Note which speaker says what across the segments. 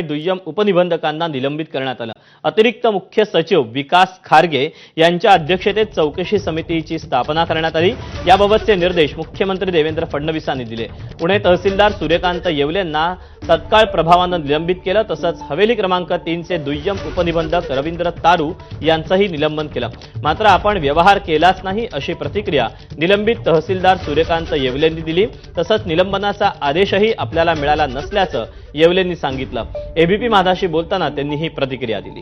Speaker 1: दुय्यम उपनिबंधकांना निलंबित करण्यात आलं। अतिरिक्त मुख्य सचिव विकास खारगे यांच्या अध्यक्षतेत चौकशी समितीची स्थापना करण्यात आली। याबाबतचे निर्देश मुख्यमंत्री देवेंद्र फडणवीसांनी दिले। पुणे तहसीलदार सूर्यकांत येवलेंना तत्काळ प्रभावानं निलंबित केलं। तसंच हवेली क्रमांक 3 चे दुय्यम उपनिबंधक रवींद्र तारू यांचंही निलंबन केलं। मात्र आपण व्यवहार केलाच नाही अशी प्रतिक्रिया निलंबित तहसीलदार सूर्यकांत येवलेंनी दिली। तसंच निलंबनाचा आदेशही आपल्याला मिळाला नसल्याचं येवलेंनी सांगितलं। एबीपी माझाशी बोलताना त्यांनी ही प्रतिक्रिया दिली।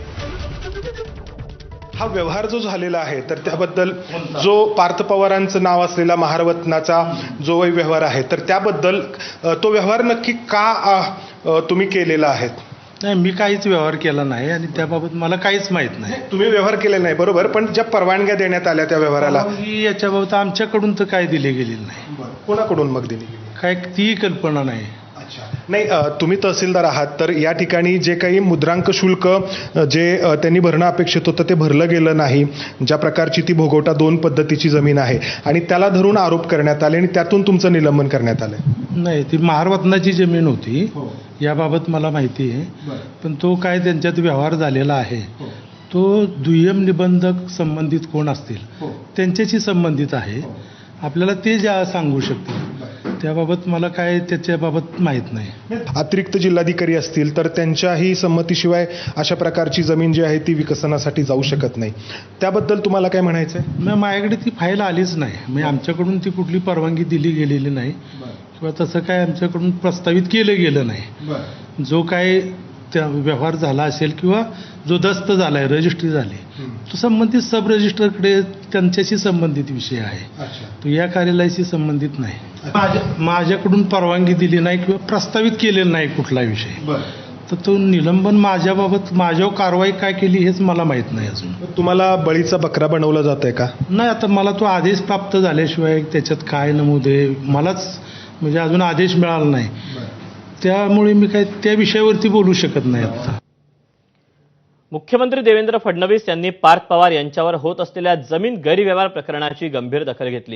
Speaker 2: हा व्यवहार जो झालेला आहे तर त्याबद्दल जो पार्थ पवारांचं नाव असलेला महारत्नाचा जो व्यवहार आहे तर त्याबद्दल तो व्यवहार नक्की का तुम्ही केलेला आहे?
Speaker 3: नाही, मी काहीच व्यवहार केला नाही आणि त्याबाबत मला काहीच माहित नाही।
Speaker 2: तुम्ही व्यवहार केलेला नाही बरोबर, पण ज्या परवानग्या देण्यात आल्या त्या व्यवहाराला
Speaker 3: याच्याबाबत आमच्याकडून तर काय दिले गेलेलं नाही।
Speaker 2: कोणाकडून मग दिली?
Speaker 3: काय ती कल्पना नाही।
Speaker 2: नाही, तुम्ही तहसीलदार आहात तर या ठिकाणी जे काही मुद्रांक शुल्क जे त्यांनी भरणं अपेक्षित होतं ते भरलं गेलं नाही। ज्या प्रकारची ती भोगवटा 2 पद्धतीची जमीन आहे आणि त्याला धरून आरोप करण्यात आले आणि त्यातून तुमचं निलंबन करण्यात आलं।
Speaker 3: नाही, ती महारत्नाची जमीन होती याबाबत मला माहिती आहे, पण तो काय त्यांच्यात व्यवहार झालेला आहे तो दुय्यम निबंधक संबंधित कोण असतील त्यांच्याशी संबंधित आहे। आपल्याला ते ज्या सांगू शकतील त्याबाबत मला काय त्याच्याबाबत माहीत नाही।
Speaker 2: अतिरिक्त जिल्हाधिकारी असतील तर त्यांच्याही संमतीशिवाय अशा प्रकारची जमीन जी आहे ती विकसनासाठी जाऊ शकत नाही। त्याबद्दल तुम्हाला काय म्हणायचं आहे?
Speaker 3: मग माझ्याकडे ती फाईल आलीच नाही, म्हणजे आमच्याकडून ती कुठली परवानगी दिली गेलेली नाही किंवा तसं काय आमच्याकडून प्रस्तावित केलं गेलं नाही। जो काय त्या व्यवहार झाला असेल किंवा जो दस्त झाला आहे रजिस्ट्री झाली तो संबंधित सब रजिस्टरकडे त्यांच्याशी संबंधित विषय आहे, तो या कार्यालयाशी संबंधित नाही। माझ्याकडून परवानगी दिली नाही किंवा प्रस्तावित केलेला नाही कुठला विषय, तर तो निलंबन माझ्याबाबत माझ्यावर कारवाई काय केली हेच मला माहीत नाही अजून।
Speaker 2: तुम्हाला बळीचा बकरा बनवलं जात आहे का?
Speaker 3: नाही, आता मला तो आदेश प्राप्त झाल्याशिवाय त्याच्यात काय नमूद आहे मलाच म्हणजे अजून आदेश मिळाला नाही, त्यामुळे मी काय त्या विषयावरती बोलू शकत नाही आता।
Speaker 1: मुख्यमंत्री देवेंद्र फडणवीस यांनी पार्थ पवार यांच्यावर होत असलेल्या जमीन गैरव्यवहार प्रकरणाची गंभीर दखल घेतली।